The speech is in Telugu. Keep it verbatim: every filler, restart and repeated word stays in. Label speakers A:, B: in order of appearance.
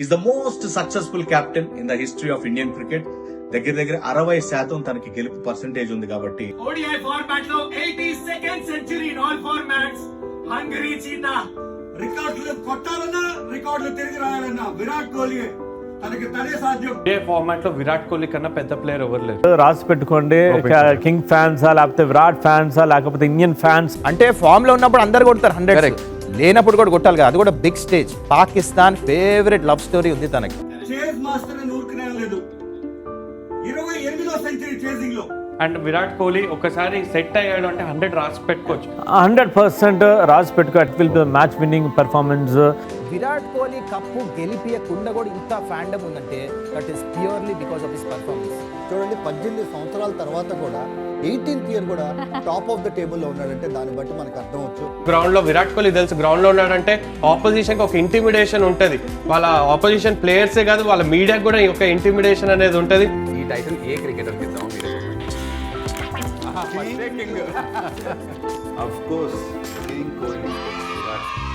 A: Is the most successful captain in the history of Indian cricket. దగ్గర దగ్గర అరవై శాతం తనకి గెలుపు పర్సెంటేజ్ ఉంది కాబట్టి
B: ఓడిఐ ఫార్మాట్ లో eighty second century in all formats. Hungry cheetah
C: రికార్డులు కొట్టాలన్నా రికార్డులు తిరిగి రాయాలన్నా విరాట్ కోహ్లీ తనకి తనే సాధ్యం.
D: ఏ ఫార్మాట్ లో విరాట్ కోహ్లీ కన్నా పెద్ద ప్లేయర్ ఎవరు లేరు.
E: రాసి పెట్టుకోండి, కింగ్ ఫ్యాన్సా లేకపోతే విరాట్ ఫ్యాన్సా లేకపోతే ఇండియన్ ఫ్యాన్స్.
F: అంటే ఫామ్ లో ఉన్నప్పుడు అందరు కొడతారు హండ్రెడ్, లేనప్పుడు కూడా కొట్టాలి కదా, అది కూడా big stage. Pakistan favourite love story ఉంది తనకి.
C: చేజ్ మాస్టర్ ఊరుకునే లేదు, ఇరవై ఎనిమిదో సెంచరీ చేజింగ్ లో.
D: అండ్ విరాట్ కోహ్లీ ఒకసారి సెట్ అయ్యాడు అంటే హండ్రెడ్ రాసి పెట్టుకోవచ్చు.
E: హండ్రెడ్ పర్సెంట్ రాసి పెట్టుకో. It will be match winning performance.
F: Virat Kohli cup గెలిపియకుండా కూడా ఇంత ఫ్యాండమ్ ఉందంటే that is purely because of his performance.
G: చూడండి, పద్దెనిమిది సంవత్సరాల తర్వాత కూడా ఎయిటీన్త్ ఇయర్ కూడా టాప్ ఆఫ్ ద టేబుల్ లో ఉన్నాడంటే దాన్ని బట్టి మనకు అర్థమవచ్చు.
D: గ్రౌండ్ లో విరాట్ కోహ్లీ తెలుసు, గ్రౌండ్ లో ఉన్నాడంటే ఆపోజిషన్ కి ఒక ఇంటిమిడేషన్ ఉంటది. వాళ్ళ ఆపోజిషన్ ప్లేయర్సే కాదు, వాళ్ళ మీడియాకి కూడా ఒక ఇంటిమిడేషన్ అనేది ఉంటది.
H: ఈ టైటిల్ ఏ క్రికెటర్ కి ఇద్దాం మీరు?
G: Of course, King Kohli, Virat.